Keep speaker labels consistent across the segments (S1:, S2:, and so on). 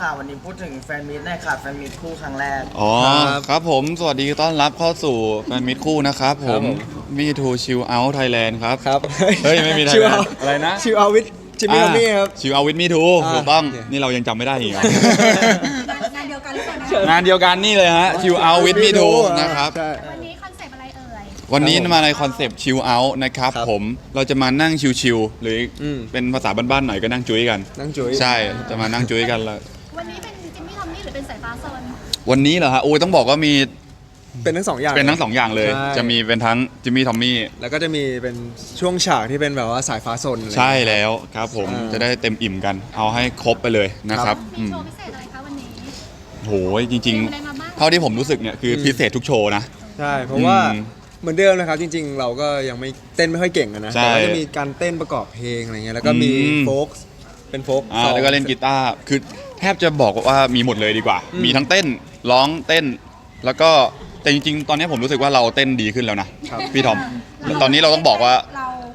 S1: ค่ะวันนี้พูดถึงแฟนมิตรหน่อยค่ะแฟนมิตรคู่ครั้งแรก
S2: อ๋อครับผมสวัสดีต้อนรับเข้าสู่แฟนมิตรคู่นะครับผมมีทูชิลเอาท์ไทยแลนด์ครับ
S3: ครับ
S2: เฮ้ยไม่มีไทยแลนด์อะไรนะ
S3: ชิวเอาวิทจิมมี่มี่ครับ
S2: ชิลเอาท์วิทมีทูถูกต้องนี่เรายังจำไม่ได้อีก
S4: งานเดียวกันหรือเปล่านะ
S2: งานเดียวกันนี่เลยฮะชิลเอาท์วิทมีทูนะครับ
S4: วันนี้คอนเซปต์อะไรเอ่ย
S2: วันนี้มาในคอนเซปต์ชิลเอาท์นะครับผมเราจะมานั่งชิลๆหรือเป็นภาษาบ้านๆหน่อยก็นั่งจุ้ยกัน
S3: นั่งจุ้ย
S2: ใช่จะมานั่งจุ้ยกันแล้ว
S4: วันนี้เป็นจิมมี่ทอมมี่หรือเป็นสายฟ้าโซน
S2: วันนี้เหรอฮะโอ้ยต้องบอกว่ามี
S3: เป็นทั้งสองอย่าง
S2: เป็นทั้งสองอย่างเลยจะมีเป็นทั้งจิมมี่ทอมมี่
S3: แล้วก็จะมีเป็นช่วงฉากที่เป็นแบบว่าสายฟ้าซน
S2: ใช่แล้วครับผมจะได้เต็มอิ่มกันเอาให้ครบไปเลยนะครับ
S4: มีโชว์พิเศษอะไรคะวันนี้
S2: โหจริงๆเท่าที่ผมรู้สึกเนี่ยคือพิเศษทุกโชว์นะ
S3: ใช่เพราะว่าเหมือนเดิมนะครับจริงๆเราก็ยังไม่เต้นไม่ค่อยเก่งนะแต่ว่าจะมีการเต้นประกอบเพลงอะไรเงี้ยแล้วก็มีโฟกส์เป็นโฟก
S2: แล้วก็เล่นกีตาร์คือแทบจะบอกว่ามีหมดเลยดีกว่ามีทั้งเต้นร้องเต้นแล้วก็แต่จริงๆตอนนี้ผมรู้สึกว่าเราเต้นดีขึ้นแล้วนะพี่ทอมตอนนี้เราต้องบอกว่า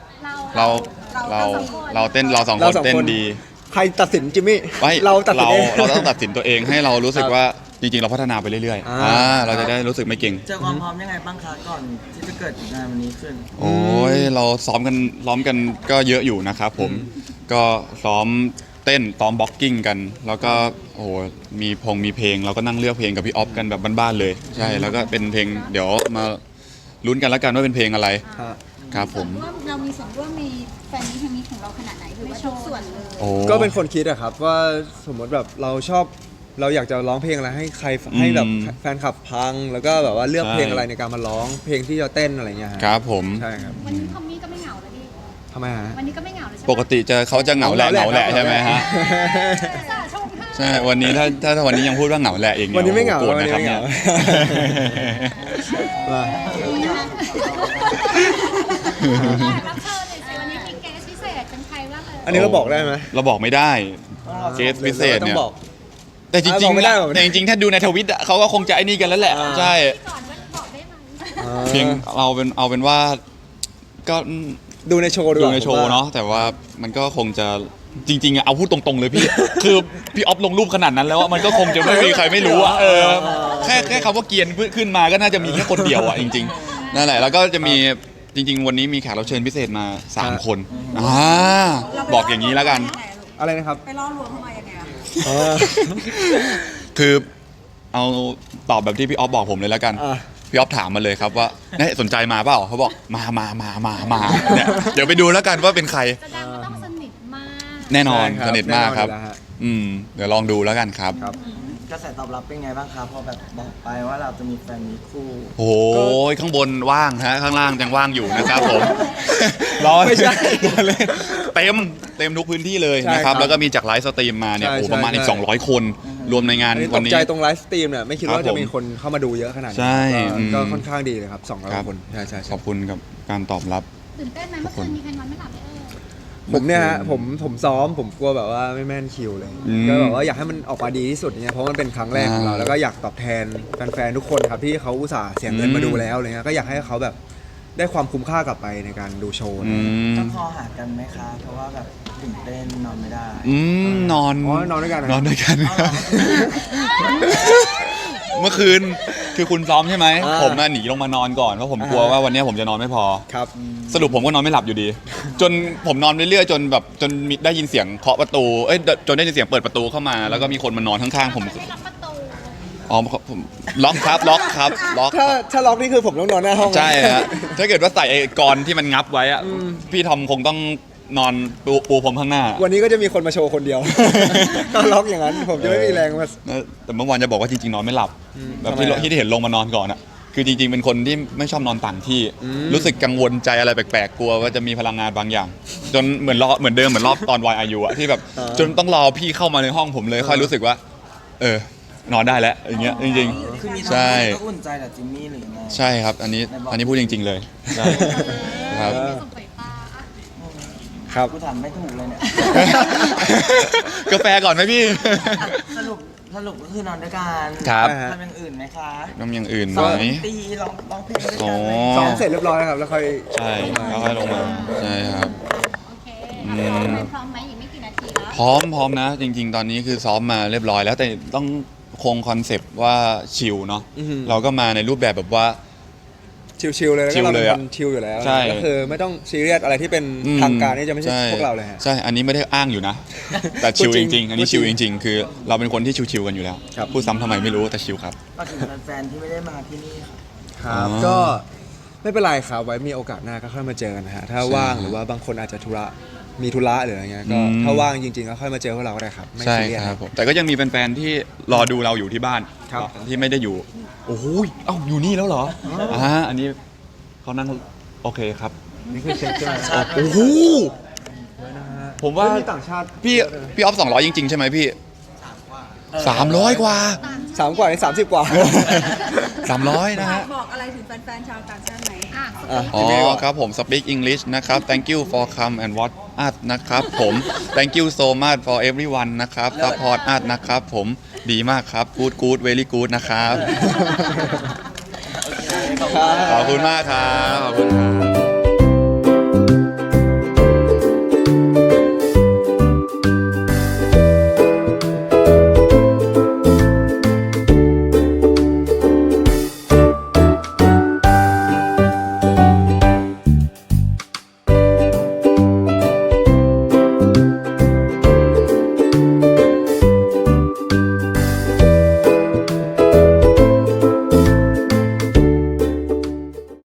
S2: เราเต้นเราสองคนเต้นดี
S3: ใครตัดสินจิมมี่
S2: เราต้องตัดสินตัวเองให้เรารู้สึกว่าจริงๆเราพัฒนาไปเรื่อยๆเราจะได้รู้สึกไม่เก่ง
S1: เจอความพร้อมยังไงบ้างคะก่อนที่จะเกิดงานวันนี้ขึ้น
S2: โอ้ยเราซ้อมกันก็เยอะอยู่นะครับผมก็ซ้อมเต้นซ้อมบ็อกกิ้งกันแล้วก็โอ้มีเพลงเราก็นั่งเลือกเพลงกับพี่ออฟกันแบบบ้านๆเลยใช่แล้วก็เป็นเพลงเดี๋ยวมาลุ้นกันแล้วกันว่าเป็นเพลงอะไรครับผม
S4: เรามีส่วนร่วมมีแฟนนี้ของเราขนาดไหนหรือว่าทุกส่วนเลย
S3: ก็เป็นคนคิดอะครับว่าสมมติแบบเราอยากจะร้องเพลงอะไรให้ใครให้แบบแฟนคลับพังแล้วก็แบบว่าเลือกเพลงอะไรในการมาร้องเพลงที่จะเต้นอะไรเงี้ย
S2: ครับผม
S3: ใช่ครับ
S4: วันนี้ทอมมี่ก็ไม่เหงาเลยดิ
S3: ทำไมฮะ
S4: วันนี้ก็ไม่เหงาเลยใช่ไหม
S2: ปกติเขาจะเหงาแหละใช่ไหมฮะใช่วันนี้ถ้าวันนี้ยังพูดว่าเหงาแหละเอง
S3: วันนี้ไม่เหงา
S2: วันนี้ไม่เหงา
S4: รับเชิญเลยสิวันนี้มีแกสพิเศษเป็นใครบ้าง
S3: อันนี้เราบอกได้ไหม
S2: เราบอกไม่ได้เกสพิเศษเนี่ยแต่จริงๆถ้าดูในทวิตเขาก็คงจะไอ้นี่กันแล้วแหละใช่เพียงเอาเป็นว่าก็
S3: ดูในโชว์
S2: เนาะแต่ว่ามันก็คงจะจริงๆเอาพูดตรงๆเลยพี่คือพี่ออฟลงรูปขนาดนั้นแล้วมันก็คงจะไม่มีใครไม่รู้อ่ะแค่คำว่าเกียนขึ้นมาก็น่าจะมีแค่คนเดียวอ่ะจริงๆนั่นแหละแล้วก็จะมีจริงๆวันนี้มีแขกรับเชิญพิเศษมา3คนบอกอย่างนี้แล้วกัน
S3: อะไรนะครับ
S4: ไปล่อลวงเข้ามายังไง
S2: คือเอาตอบแบบที่พี่ออฟบอกผมเลยแล้วกันพี่ออฟถามมาเลยครับว่าสนใจมาเปล่าเขาบอกมาเนี่ยเดี๋ยวไปดูแล้วกันว่าเป็นใคร
S4: แสดงว่าต้องสนิทมาก
S2: แน่นอนสนิทมากครับเดี๋ยวลองดูแล้วกันครับ
S1: กระแสตอบรับเป็นไงบ้างครับพอแบบบอกไปว่าเราจะมีแฟนมีคู่
S2: โอ้ยข้างบนว่างฮะข้างล่างยังว่างอยู่นะครับผม
S3: ไม่ใช่
S2: เต็มทุกพื้นที่เลยนะครับแล้วก็มีจากไลฟ์สตรีมมาเนี่ยประมาณอีก200คนรวมในงานวันนี้
S3: ตกใจตรงไลฟ์สตรีมเนี่ยไม่คิดว่าจะมีคนเข้ามาดูเยอะขนาดนี้ก็ค่อนข้างดีเลยครับ200คนใช่
S2: ขอบคุณกับการตอบรับ
S4: ตื่นเต้นไหมเมื่อคืนมีใครนอนไม่หลับไหม
S3: ผมเนี่ยฮะผมซ้อมผมกลัวแบบว่าไม่แม่นคิวเลยก็แบบว่าอยากให้มันออกมาดีที่สุดเนี่ยเพราะมันเป็นครั้งแรกของเราแล้วก็อยากตอบแทนแฟนๆทุกคนครับที่เขาอุตส่าห์เสียเงินมาดูแล้วอะไรเงี้ยก็อยากให้เขาแบบได้ความคุ้มค่ากลับไปในการดูโชว์
S1: ต้องคอหากันไหมคะเพราะว่าแบบตื่นเต้นนอนไม่ได้
S2: นอน
S3: ด้วยกัน
S2: เมื่อคืนคือคุณซ้อมใช่ไหมผมหนีลงมานอนก่อนเพราะผมกลัวว่าวันนี้ผมจะนอนไม่พอ
S3: ครับ
S2: สรุปผมก็นอนไม่หลับอยู่ดีจนผมนอนเรื่อยๆจนได้ยินเสียงเคาะประตูจนได้ยินเสียงเปิดประตูเข้ามาแล้วก็มีคนมานอนข้างๆผมผมล็อกครับ
S3: ถ้าล็อกนี่คือผมต้องนอนหน้าห้อง
S2: ใช่ฮะถ้าเกิดว่าใส่ไอ้กรที่มันงับไว้อะพี่ทอมคงต้องนอนปูผมข้างหน้า
S3: วันนี้ก็จะมีคนมาโชว์คนเดียวก็ล็อกอย่างนั้นผมจะไม่มีแรงมา
S2: แต่เมื่อวานจะบอกว่าจริงๆนอนไม่หลับแบบที่เห็นลงมานอนก่อนอะคือจริงๆเป็นคนที่ไม่ชอบนอนต่างที่รู้สึกกังวลใจอะไรแปลกๆกลัวว่าจะมีพลังงานบางอย่างจนเหมือนเดิมเหมือนรอบตอน YRU อะที่แบบจนต้องรอพี่เข้ามาในห้องผมเลยค่อยรู้สึกว่านอนได้แล้วอย่างเงี้ยจริง
S1: ๆใช่ก็อุ่นใจแต่จิมมี่หรือไง
S2: ใช่ครับอันนี้พูดจริงๆเลยใช่ครับ
S1: ครับกูถามไม่ถูกเลยเนี่ย
S2: กาแฟก่อนไหมพี่
S1: สรุปก็คือนอนด้วยกัน
S2: ครับ
S1: ทำอย่างอื่นไหมคะ
S2: ทำอย่างอื่นไหม
S1: ตีร้องเพลงด้วยกันไหม
S3: ซ้อมเสร็จเรียบร้อยครับแล้วค่อย
S2: ใช่แล้วค่อยลงมาใช่ครับ
S4: โอเคพร้อมไหมอีกไม่กี่นาทีแล้ว
S2: พร้อมนะ จริง ๆ ตอนนี้คือซ้อมมาเรียบร้อยแล้วแต่ต้องคงคอนเซปต์ว่าชิลเนาะ
S3: อือหือ
S2: เราก็มาในรูปแบบแบบว่า
S3: ชิลๆเลยแล้ว
S2: ชิ
S3: ก็
S2: ล
S3: เรา
S2: เล
S3: เป็
S2: ย
S3: น
S2: อะ
S3: คนชิลอยู่แล้ว
S2: ใช่
S3: ก็คือไม่ต้องซีเรียสอะไรที่เป็นทางการนี่จะไม่ใช่พวกเราเลยฮะ
S2: ใช่อันนี้ไม่ได้อ้างอยู่นะ แต่ชิล
S3: พูดจริ
S2: จ
S3: ง
S2: ริงๆอันนี้
S3: พูดจริ
S2: ชิ
S3: ง
S2: ลจริง ๆ คือเราเป็นคนที่ชิลๆกันอยู่แล้ว
S3: ครับ
S2: พูดซ้ำทำไมไม่รู้แต่ชิลครับ
S1: ก็ถึงแฟนๆที่ไม่ได้มาที่นี่ครับ
S3: ครับ
S2: อ๋อ
S3: ก็ไม่เป็นไรครับไว้มีโอกาสหน้าก็ค่อยมาเจอกันนะฮะถ้า
S2: ใช่
S3: ว่างหรือว่าบางคนอาจจะมีธุระหรืออะไรเงี้ยก็
S2: อืม
S3: ถ้าว่างจริงๆก็ค่อยมาเจอพวกเราก็ได้ครับไม่
S2: ใช่
S3: ซีเรียส
S2: ครับผมแต่ก็ยังมีแฟนๆที่รอดูเราอยู่ที่บ้าน
S3: ครับ
S2: ที่ไม่ได้อยู่โอ้โหเอ้าอยู่นี่แล้วเหรออันนี้เขานั่งโอเคครับ
S3: นี่คือเช็คใช่ไหม
S2: โอ้โหผมว่า
S3: มีต่างชาติ
S2: พี่ออฟ200จริงๆใช่ไหมพี่300 กว่า
S3: 3 กว่าใน30 กว่า
S2: 300 นะฮะ
S5: บอกอะไรถึงแฟนๆชาวต่างชาติไหม
S4: อ่ะ
S3: อ่ะ
S2: อ๋อครับผม speak English นะครับ thank you for come and watch us นะครับผม thank you so much for everyone นะครับ support us นะครับผมดีมากครับ good very good นะครับ ขอบคุณมากครับ ขอบคุณครับ